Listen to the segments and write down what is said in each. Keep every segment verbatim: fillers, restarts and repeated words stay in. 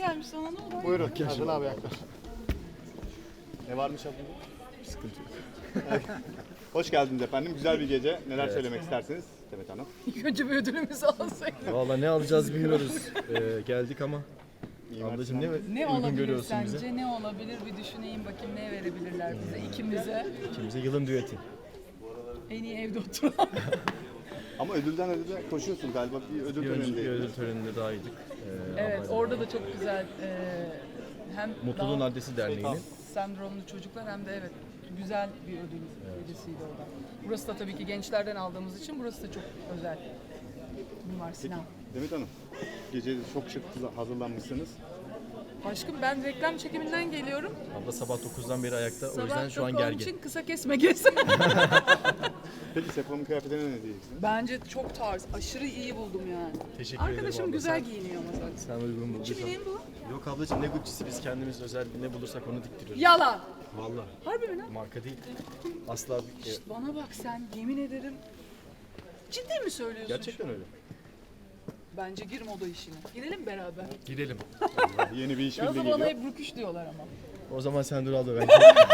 gelmiş sana, ne oldu? Buyurun. Hazır abi yaklaş. Ne varmış aklında? Sıkıntı yok. Hoş geldiniz efendim. Güzel bir gece. Neler söylemek istersiniz Demet Hanım? İlk önce bir ödülümüzü alsak. Valla ne alacağız bilmiyoruz. Ee, geldik ama. İyi Ablacığım ne, Ne uygun olabilir görüyorsun sence? bize? Ne olabilir? Bir düşüneyim bakayım, ne verebilirler bize, ikimize. İkimize yılın düeti. En iyi evde oturan. Ama ödülden ödüle koşuyorsun galiba. Bir ödül Bir önceki törenindeydi. ödül töreninde dahaydık. Ee, Evet, ablayla. orada da çok güzel e, hem Mutluluğun Down Adresi Derneği'nin. sendromlu çocuklar hem de evet güzel bir ödül gecesiydi orada. Burası da tabii ki gençlerden aldığımız için burası da çok özel. Mimar Sinan. Demet Hanım, gece çok şık hazırlanmışsınız. Aşkım ben reklam çekiminden geliyorum. Abla sabah dokuzdan beri ayakta. O Sabah yüzden şu an dokuz gergin. için kısa kesme kes. Peki Sefo'nun kıyafetine ne diyeceksiniz? Bence çok tarz, aşırı iyi buldum yani. Teşekkür ederim Arkadaşım abla. güzel Sen- giyiniyor ama zaten. Sen uygun bulduysan. Kimin bu? Yok ablacığım ne Gucci'si, biz kendimiz özel ne bulursak onu diktiriyoruz. Yalan. Valla. Harbi mi lan? Marka değil. Asla bir... Şşt, bana bak sen, yemin ederim. Ciddi mi söylüyorsun? Gerçekten öyle. Bence gir moda işine. Girelim beraber. Gidelim. Yeni bir iş Yazı birliği bana geliyor. hep rüküş diyorlar ama. O zaman sen dur abla ben.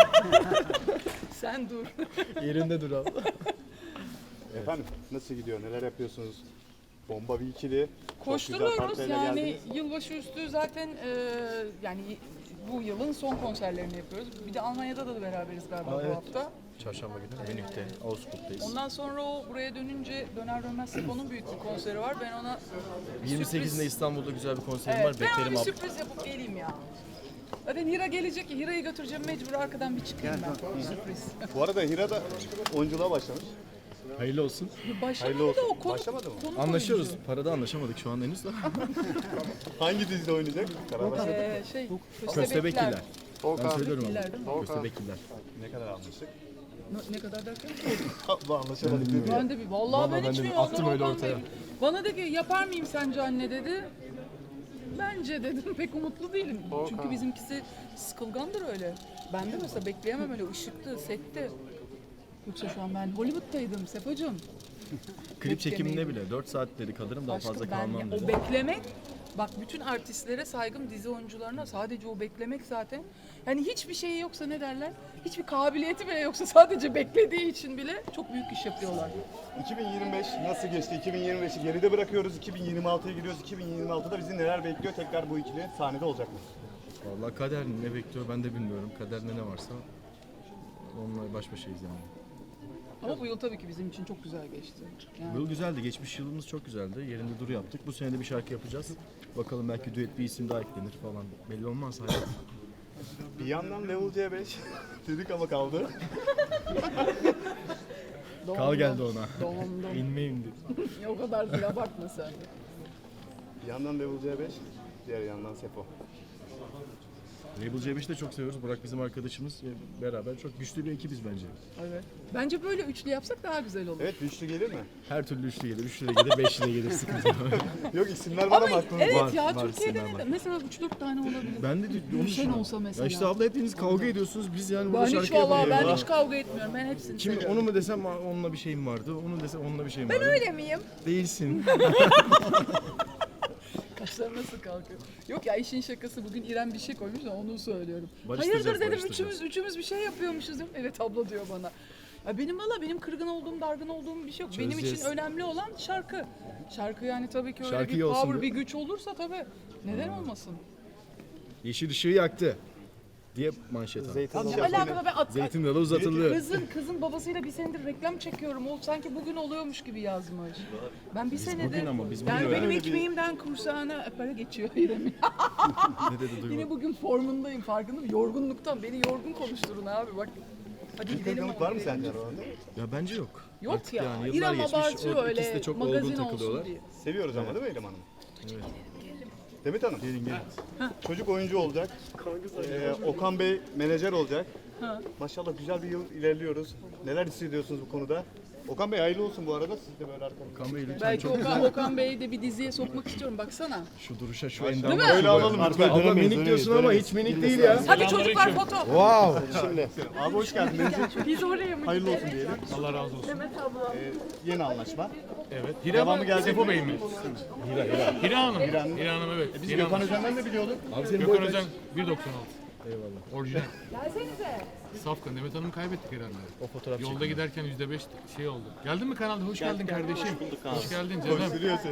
Sen dur. Yerinde dur abla. Efendim nasıl gidiyor? Neler yapıyorsunuz? Bomba bir ikili. Çok güzel Koşturuyoruz partilerle yani geldiniz. yılbaşı üstü zaten e, yani bu yılın son konserlerini yapıyoruz. Bir de Almanya'da da beraberiz galiba Aa, bu evet. hafta. Çarşamba günü Münih'te, Augsburg'dayız. Ondan sonra o buraya dönünce döner dönmez Sefo'nun büyük bir konseri var. Ben ona bir yirmi sekizinde sürpriz- İstanbul'da güzel bir konserim Evet, var. ben ona Beklerim bir abla. sürpriz yapıp geleyim ya. Zaten Hira gelecek ya, Hira'yı götüreceğim mecbur arkadan bir çıkayım ben. Bir sürpriz. Bu arada Hira da oyunculuğa başlamış. Hayırlı olsun. Başlamadı Hayırlı da olsun. o konu. Başlamadı mı? konuk Anlaşıyoruz. oyuncu. Parada anlaşamadık şu an henüz de. Hangi dizide oynayacak? Karar ver. Ee, şey, Köstebekliler. Ben Volkan. söylüyorum Köstebekliler abi. değil mi? Köstebekliler. Ne kadar anlaştık? Ne, ne kadar derken? Bu anlaşamadık değil mi? Ben de bir, vallahi, Vallahi ben ben hiç de bir bilmiyorum. attım Ondan öyle Volkan ortaya. Bey Bana dedi ki yapar mıyım sence anne dedi. Bence dedim pek umutlu değilim. Çünkü bizimkisi sıkılgandır öyle. Ben de mesela bekleyemem öyle ışıklı, sette. Yoksa şu an ben Hollywood'taydım Sefocuğum. Klip çekiminde bile dört saatleri kalırım daha Aşkım fazla ben kalmam ya- dedi. o beklemek, bak bütün artistlere saygım, dizi oyuncularına sadece o beklemek zaten. Yani hiçbir şeyi yoksa ne derler? Hiçbir kabiliyeti bile yoksa sadece beklediği için bile çok büyük iş yapıyorlar. iki bin yirmi beş nasıl geçti? iki bin yirmi beşi geride bırakıyoruz. iki bin yirmi altıya giriyoruz. iki bin yirmi altıda bizi neler bekliyor? Tekrar bu ikili sahnede olacak mı? Vallahi kader ne bekliyor ben de bilmiyorum. Kaderde ne varsa onunla baş başayız yani. Ama bu yıl tabii ki bizim için çok güzel geçti. Yani Bu yıl güzeldi. Geçmiş yılımız çok güzeldi. Yerinde dur yaptık. Bu sene de bir şarkı yapacağız. Bakalım belki düet bir isim daha eklenir falan. Belli olmaz hayat. Bir yandan Level C beş dedik ama kaldı. Kal geldi ona. Doğumda. İnme indi. O kadar değil, abartma sen. Bir yandan Level C beş, diğer yandan Sefo. Label C beş'i de çok seviyoruz. Burak bizim arkadaşımız. Beraber çok güçlü bir ekibiz bence. Evet. Bence böyle üçlü yapsak daha güzel olur. Evet, güçlü gelir mi? Her türlü üçlü gelir. Üçlü de gelir, beşli de gelir. Sıkıntı yok. Yok isimler var ama Ama aklımda. evet Var, ya var, Türkiye'de isimler de var. mesela üç dört tane olabilir. Ben de onu Gülşen düşünüyorum. olsa mesela. Ya işte abla hepiniz kavga ediyorsunuz. Biz yani burada Ben şarkı hiç vallahi yapamıyoruz. ben hiç kavga etmiyorum. Ben hepsini Kim seviyorum. onu mu desem onunla bir şeyim vardı. Onu desem onunla bir şeyim vardı. Öyle miyim? Değilsin. Kaşlar nasıl kalkıyor? Yok ya, işin şakası, bugün İrem bir şey koymuş da onu söylüyorum. Barıştıracağız, Hayırdır dedim, barıştıracağız. üçümüz üçümüz bir şey yapıyormuşuz dedim. Evet abla diyor bana. Ya benim valla benim kırgın olduğum, dargın olduğum bir şey yok. Benim için Çözeceğiz. önemli olan şarkı. Şarkı yani tabii ki öyle Şarkı bir iyi olsun power, diyor. bir güç olursa tabii neden olmasın? Yeşil ışığı yaktı. Diye manşet aldı. Zeytin Ne alakada ben at, Zeytin dalı uzatıldı. Kızın kızın babasıyla bir senedir reklam çekiyorum. O sanki bugün oluyormuş gibi yazmış. Ben bir senedir bugün ama biz yani bugün benim öyle bir- ekmeğimden kursağına para geçiyor İrem'in. Ne dedi duymadım. Yine bugün formundayım, farkındayım. Yorgunluktan beni yorgun konuşturun abi bak. Hadi Bir gidelim. kırgınlık var mı sence aralarında? Ya bence yok. Yok Artık ya. yani yıllar İrem geçmiş. abartıyor O öyle. ikisi de çok magazin olgun olsun takılıyorlar. diye. Seviyoruz ama değil mi İrem Hanım? Evet. Demet Hanım, Gelin gelin. çocuk oyuncu olacak. Ee, Okan Bey menajer olacak. Ha. Maşallah güzel bir yıl ilerliyoruz. Neler hissediyorsunuz bu konuda? Okan Bey hayırlı olsun bu arada. Siz de böyle arkamda. Okan Bey lütfen Belki çok Okan, Okan Bey'i de bir diziye sokmak istiyorum. Baksana. şu duruşa, şu Değil endama. mi? Öyle alalım lütfen. Abla minik diyorsun ama hiç minik değil ya. Hadi çocuklar foto. Wow. Şimdi. Abi hoş geldiniz. Biz oraya mı Hayırlı olsun diyelim. Allah razı olsun. Ee, yeni anlaşma. Evet. Hira Devamı mı? gelecek Sefo mi? Bey mi? Hira, Hira. Hira Hanım. Hira Hanım, evet. Biz Hira Gökhan Hanım. Özen'den de biliyorduk. Abi senin Gökhan boy Özen kaç? bir doksan altı. Eyvallah. Orijinal. Safkan. Demet Hanım'ı kaybettik herhalde. O fotoğraf Yolda çekildi. giderken yüzde beş şey oldu. Geldin mi kanalda? Hoş geldin kardeşim. Hoş geldin canım. Koşturuyorsun.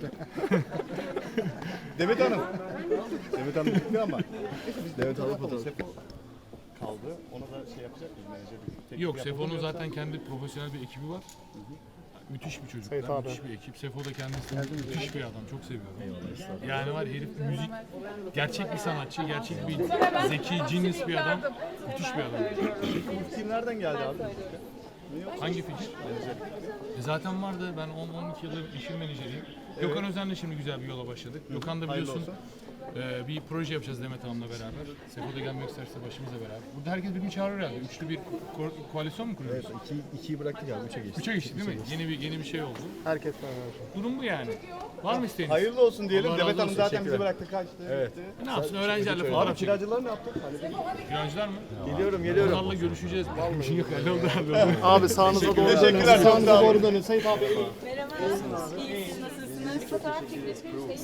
Demet Hanım. Demet Hanım bitti ama. Demet Hanım fotoğraf. Sefo kaldı. Ona da şey yapacak mıyız? Menajerlik. Teklif Yok, yapalım Sefo'nun yoksa- zaten kendi profesyonel bir ekibi var. Müthiş bir çocuk. Müthiş bir ekip. Sefo da kendisi müthiş bir adam. Çok seviyorum. Yani var herif müzik, gerçek bir sanatçı, gerçek bir zeki, genius bir adam. Müthiş bir adam. Bu fikir nereden geldi abi? Hangi fikir? E zaten vardı. Ben on on iki yıldır işin menajeriyim. Gökhan Özen'le şimdi güzel bir yola başladık. Gökhan da biliyorsun e, bir proje yapacağız Demet Hanım'la beraber. Sefo da gelmek isterse başımızla beraber. Burada herkes birbirini çağırıyor herhalde. Üçlü bir ko- koalisyon mu kuruyoruz? Evet, iki, ikiyi bıraktık abi, üçe geçtik. Üçe geçti değil mi? Yeni bir yeni bir şey oldu. Herkes var. Durum bu yani. Var mı isteğiniz? Hayırlı olsun diyelim. Allah Demet razı Hanım olsun, zaten bizi teşekkürler. bıraktı kaçtı. Evet. gitti. Ne yapsın öğrencilerle Abi fotoğraf çekiyor. kiracılar ne yaptı? Kiracılar mı? Geliyorum, geliyorum. Onlarla görüşeceğiz. Bir şey yok. Halloldu halloldu. Abi sağınıza doğru dönün. Teşekkürler, çok Sağınıza sağ olun. doğru dönün. Sayın abi. Merhaba, nasılsınız? Nasılsınız? Fotoğraf çekilişi